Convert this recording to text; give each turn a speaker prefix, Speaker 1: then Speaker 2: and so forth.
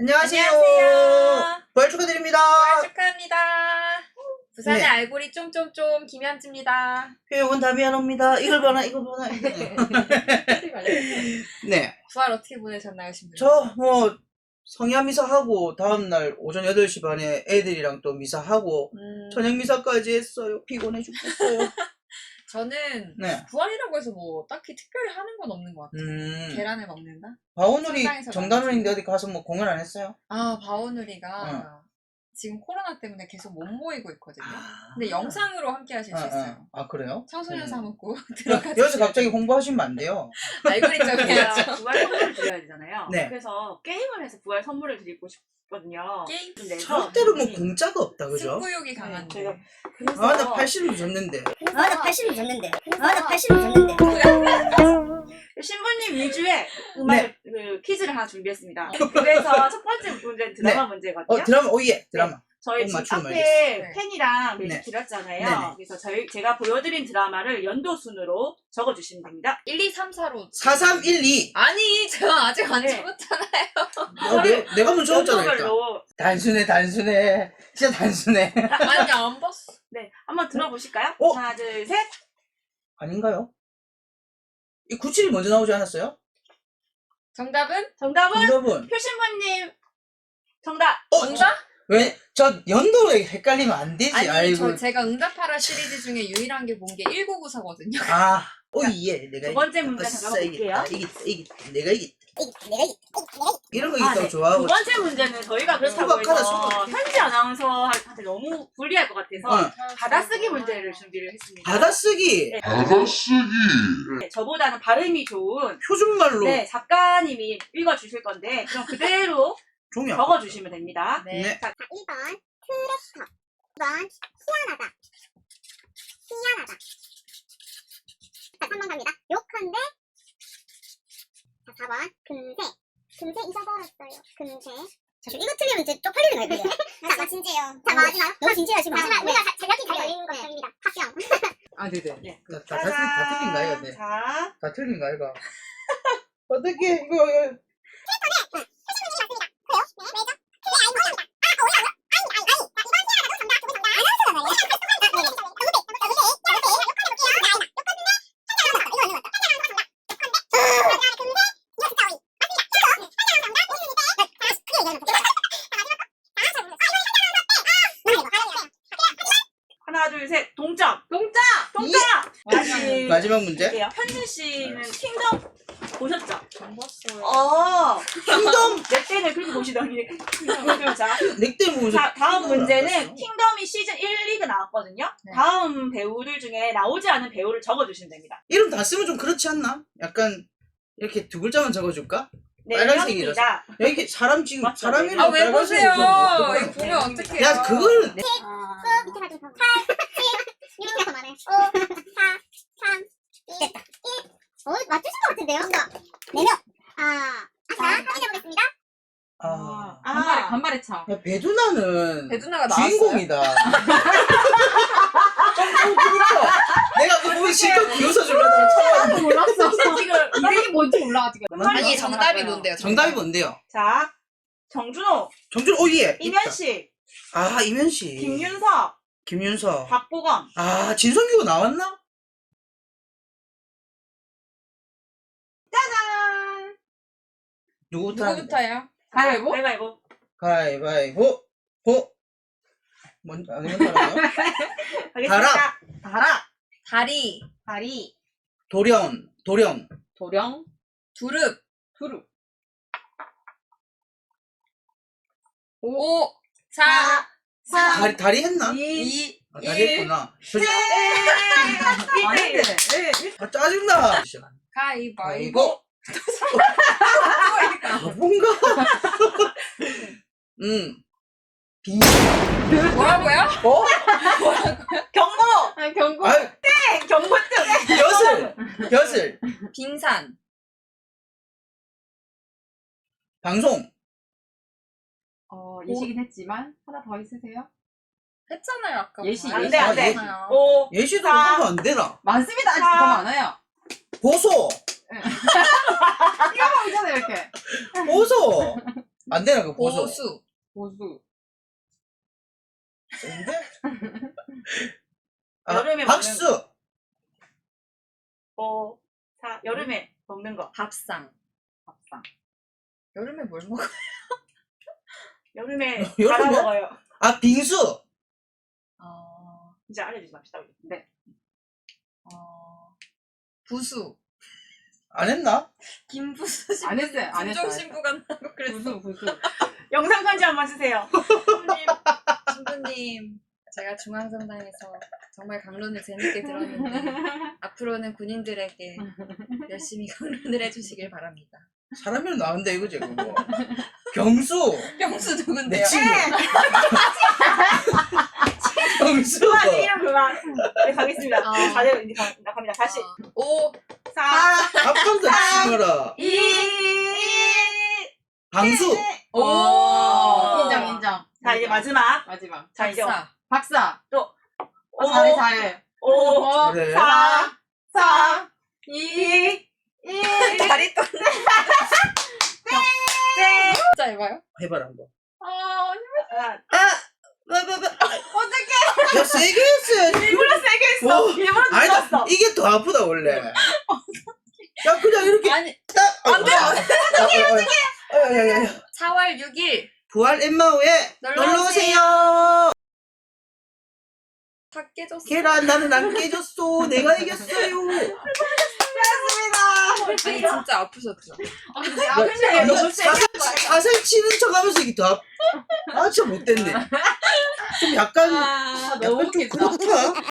Speaker 1: 안녕하세요.
Speaker 2: 안녕하세요.
Speaker 1: 부활 축하드립니다.
Speaker 2: 부활 축하합니다. 부산의
Speaker 1: 네.
Speaker 2: 알고리 쫌쫌쫌 김현지입니다.
Speaker 1: 표현은 다미안옵니다. 이걸 봐라, 이걸 봐라. 네.
Speaker 2: 부활 어떻게 보내셨나요, 신부님?
Speaker 1: 저 성야 미사하고 다음날 오전 8시 반에 애들이랑 또 미사하고 저녁 미사까지 했어요. 피곤해 죽겠어요.
Speaker 2: 저는
Speaker 1: 네.
Speaker 2: 부활이라고 해서 뭐 딱히 특별히 하는 건 없는 것 같아요. 계란을 먹는다?
Speaker 1: 바오누리
Speaker 2: 성당에서
Speaker 1: 정단원인데 어디 가서 뭐 공연 안 했어요?
Speaker 2: 아, 바오누리가 지금 코로나 때문에 계속 못 모이고 있거든요. 근데 영상으로 함께 하실 수 있어요.
Speaker 1: 아, 그래요?
Speaker 2: 청소년 사먹고 들어가서
Speaker 1: 여기서 갑자기 홍보하시면 안 돼요.
Speaker 2: 알고리 좀 해야죠.
Speaker 3: 부활 선물을 드려야 되잖아요.
Speaker 1: 네.
Speaker 3: 그래서 게임을 해서 부활 선물을 드리고 싶거든요.
Speaker 2: 게임?
Speaker 3: 좀 내서
Speaker 1: 절대로 뭐 공짜가 없다, 그죠?
Speaker 2: 승부욕이 강한데.
Speaker 3: 제가 그래서
Speaker 1: 아, 나 80을 줬는데.
Speaker 4: 나 80을 줬는데. 나 80을 줬는데.
Speaker 3: 신부님 위주의 음악 그 퀴즈를 하나 준비했습니다. 그래서 첫 번째 문제는 드라마 문제거든요.
Speaker 1: 드라마, 오예, 드라마.
Speaker 3: 저희 지금
Speaker 1: 맞추면
Speaker 3: 앞에
Speaker 2: 알겠어요.
Speaker 3: 펜이랑
Speaker 1: 네.
Speaker 3: 메시 드렸잖아요.
Speaker 1: 네네.
Speaker 3: 그래서 제가 보여드린 드라마를 연도 순으로 적어주시면 됩니다.
Speaker 2: 1, 2, 3, 4로
Speaker 1: 4312.
Speaker 2: 아니 제가 아직 안
Speaker 3: 네.
Speaker 2: 적었잖아요.
Speaker 1: 내가 먼저 적었잖아, 일단.
Speaker 3: 연도별로
Speaker 1: 단순해. 진짜 단순해.
Speaker 2: 아니 안 봤어.
Speaker 3: 네, 한번 들어보실까요? 하나, 둘, 셋.
Speaker 1: 아닌가요? 이 97이 먼저 나오지 않았어요?
Speaker 2: 정답은?
Speaker 3: 정답은
Speaker 1: 정답은?
Speaker 3: 표신부님 정답.
Speaker 2: 정답?
Speaker 1: 왜? 저 연도에 헷갈리면 안 되지.
Speaker 2: 아니
Speaker 1: 아이고.
Speaker 2: 제가 응답하라 시리즈 중에 유일한 게 본 게 1994거든요.
Speaker 1: 아, 오예. 내가
Speaker 3: 두 번째
Speaker 1: 이겼다.
Speaker 3: 문제
Speaker 1: 아싸,
Speaker 3: 잠깐만
Speaker 1: 이겼다.
Speaker 3: 볼게요.
Speaker 1: 이겼다. 내가 이겼다. 이런 거
Speaker 3: 아,
Speaker 1: 이겼다고
Speaker 3: 네.
Speaker 1: 좋아하고.
Speaker 3: 두 번째 문제는 저희가 그렇다고
Speaker 1: 소박하다,
Speaker 3: 해서
Speaker 1: 소박해.
Speaker 3: 현지 아나운서한테 너무 불리할 것 같아서 받아쓰기 문제를 준비를 했습니다.
Speaker 1: 받아쓰기.
Speaker 3: 네.
Speaker 5: 받아쓰기.
Speaker 3: 네, 저보다는 발음이 좋은
Speaker 1: 표준말로.
Speaker 3: 네, 작가님이 읽어주실 건데 그럼 그대로
Speaker 1: 종이 안
Speaker 3: 적어주시면 됩니다.
Speaker 2: 네.
Speaker 1: 네.
Speaker 4: 자, 1번 트랙터. 2번 희한하다. 자, 3번 갑니다. 욕한데. 자, 4번 금세 잊어버렸어요. 금세. 자, 이거 틀리면 이제 쪽팔리는 거예요. 자, 진지해요. 자, 마지막. 너무 진지하시면 마지막 우리가 전략이 잘 걸리는 것입니다. 합격.
Speaker 2: 아 네네.
Speaker 3: 네.
Speaker 1: 다 틀린 거 아이가? 네.
Speaker 3: 자,
Speaker 1: 다 틀린 거 아이가? 어떻게 이거
Speaker 3: 하나, 둘, 셋. 동점.
Speaker 2: 동작!
Speaker 3: 다시
Speaker 1: 마지막 문제?
Speaker 3: 볼게요. 현진 씨는 킹덤 보셨죠?
Speaker 2: 안 봤어요.
Speaker 1: 킹덤.
Speaker 3: 넷대를 그렇게 보시더니. 자,
Speaker 1: 넥대 모습.
Speaker 3: 자, 다음
Speaker 1: 킹덤을 안
Speaker 3: 문제는
Speaker 1: 봤어.
Speaker 3: 킹덤이 시즌 1, 2가 나왔거든요.
Speaker 2: 네.
Speaker 3: 다음 배우들 중에 나오지 않은 배우를 적어주시면 됩니다.
Speaker 1: 이름 다 쓰면 좀 그렇지 않나? 약간 이렇게 두 글자만 적어줘줄까?
Speaker 3: 네,
Speaker 1: 빨간색이라서.
Speaker 3: 명입니다.
Speaker 1: 여기 사람 지금
Speaker 3: 맞죠?
Speaker 1: 사람 이름
Speaker 2: 아 왜
Speaker 1: 빨간색으로
Speaker 2: 보세요?
Speaker 1: 적어놓고
Speaker 2: 이거 보면 어떡해요?
Speaker 1: 야 그걸
Speaker 4: 밑에 가좀 더. 8, 7, 6, 5, 4, 3, 2, 1. 맞추신 것 같은데요? 4명. 자, 확인해보겠습니다.
Speaker 2: 간발의 차.
Speaker 1: 야, 배두나는
Speaker 2: 배두나가 나왔어요?
Speaker 1: 주인공이다. 좀 그렇죠. 내가 그거 보면 실컷 비웃어주려다가 처음
Speaker 2: 몰랐어.
Speaker 3: 지금
Speaker 2: 이름이 뭔지 몰라 아직.
Speaker 3: 끝말잇기
Speaker 2: 아니 정답이
Speaker 3: 정답이요.
Speaker 2: 뭔데요?
Speaker 1: 정답이 뭔데요?
Speaker 3: 자, 정준호,
Speaker 1: 정준 오예.
Speaker 3: 이면식,
Speaker 1: 아 이면식.
Speaker 3: 김윤석,
Speaker 1: 김윤석.
Speaker 3: 박보검.
Speaker 1: 아 진성규가 나왔나?
Speaker 3: 짜잔!
Speaker 1: 누구부터?
Speaker 2: 누구부터요? 가위바위보?
Speaker 3: 가위바위보.
Speaker 1: 가위바위보. 먼저 아니 먼저 하라고요?
Speaker 3: 가겠습니다.
Speaker 2: 다라. 다리.
Speaker 3: 다리.
Speaker 1: 도령.
Speaker 2: 도령. 두릅. 5, 4, 3,
Speaker 1: 다리 했나?
Speaker 2: 2,
Speaker 1: 아, 다리 했구나.
Speaker 3: 아닌데.
Speaker 1: 아 짜증나.
Speaker 2: 가위바위보.
Speaker 1: 뭔가. 비.
Speaker 2: 뭐라고요?
Speaker 3: 경고!
Speaker 2: 경고.
Speaker 1: 아유
Speaker 3: 경고증!
Speaker 1: 벼슬.
Speaker 2: 빙산.
Speaker 1: 방송.
Speaker 6: 예시긴 했지만 하나 더 있으세요?
Speaker 2: 했잖아요 아까.
Speaker 6: 예시,
Speaker 3: 안
Speaker 6: 예시.
Speaker 3: 돼, 안 돼.
Speaker 2: 했잖아요.
Speaker 3: 5,
Speaker 1: 예시도
Speaker 3: 자.
Speaker 1: 하면 안 되나?
Speaker 6: 많습니다. 아직
Speaker 3: 자.
Speaker 6: 더 많아요.
Speaker 1: 보소.
Speaker 6: 이거 보이잖아요 이렇게.
Speaker 1: 보소. 안 되나 그 보수.
Speaker 2: 보수.
Speaker 6: 보수.
Speaker 1: 센데? 아,
Speaker 3: 여름에
Speaker 1: 박수.
Speaker 3: 여름에 먹는 거.
Speaker 2: 밥상.
Speaker 6: 밥상.
Speaker 2: 여름에 뭘 먹어?
Speaker 3: 여름에
Speaker 1: 여름에?
Speaker 3: 갈아 먹어요.
Speaker 1: 아, 빙수.
Speaker 3: 이제 알려주지 맙시다. 우리.
Speaker 6: 네.
Speaker 2: 부수.
Speaker 1: 안 했나?
Speaker 2: 김부수 씨.
Speaker 6: 안 했어요. 안 했어요.
Speaker 2: 신부가 나고 그랬어.
Speaker 6: 부수 부수.
Speaker 3: 영상 편지 한번 주세요.
Speaker 2: 신부님, 제가 중앙성당에서 정말 강론을 재밌게 들었는데 앞으로는 군인들에게 열심히 강론을 해주시길 바랍니다.
Speaker 1: 사람이랑 나온다 이거지 그거. 경수.
Speaker 2: 병수
Speaker 1: 내
Speaker 2: 누군데요?
Speaker 1: 친구. 경수.
Speaker 3: 그만 이름 그만. 네 가겠습니다.
Speaker 2: 어.
Speaker 3: 다들 이제 갑니다. 다시
Speaker 2: 5,
Speaker 3: 4,
Speaker 1: 앞방도 친구라.
Speaker 3: 2,
Speaker 1: 방수.
Speaker 2: 오.
Speaker 6: 인정 인정.
Speaker 3: 자 이제 마지막.
Speaker 6: 마지막.
Speaker 3: 자 이제
Speaker 2: 박사.
Speaker 6: 박사.
Speaker 3: 오,
Speaker 6: 잘해 잘해.
Speaker 3: 5,
Speaker 1: 그래.
Speaker 3: 4,
Speaker 6: 4,
Speaker 3: 2, 1.
Speaker 2: 다리 떠.
Speaker 3: 네.
Speaker 2: 진짜 해봐요?
Speaker 1: 해봐라 한번.
Speaker 3: 하나,
Speaker 1: 어떡해. 야 세게 했어야지.
Speaker 3: 일부러 세게 했어.
Speaker 1: 오.
Speaker 3: 일부러
Speaker 1: 아니다.
Speaker 3: 눌렀어.
Speaker 1: 이게 더 아프다 원래. 야 그냥 이렇게
Speaker 2: 아니,
Speaker 1: 딱.
Speaker 2: 안 돼요.
Speaker 1: 야야야.
Speaker 2: 4월 6일
Speaker 1: 부활 엠마오에
Speaker 2: 놀러
Speaker 1: 놀러 오세요.
Speaker 2: 다 깨졌어.
Speaker 1: 계란 나는 안 깨졌어. 내가 이겼어요.
Speaker 2: 아니 진짜 아프셨죠?
Speaker 3: 근데
Speaker 1: 야,
Speaker 3: 아프시네. 너무 세게.
Speaker 1: 사살 치는 척하면서 이게 더 아, 진짜 못됐네. 좀 약간
Speaker 6: 너무
Speaker 1: 약간 좀
Speaker 6: 웃기다.
Speaker 1: 그렇다.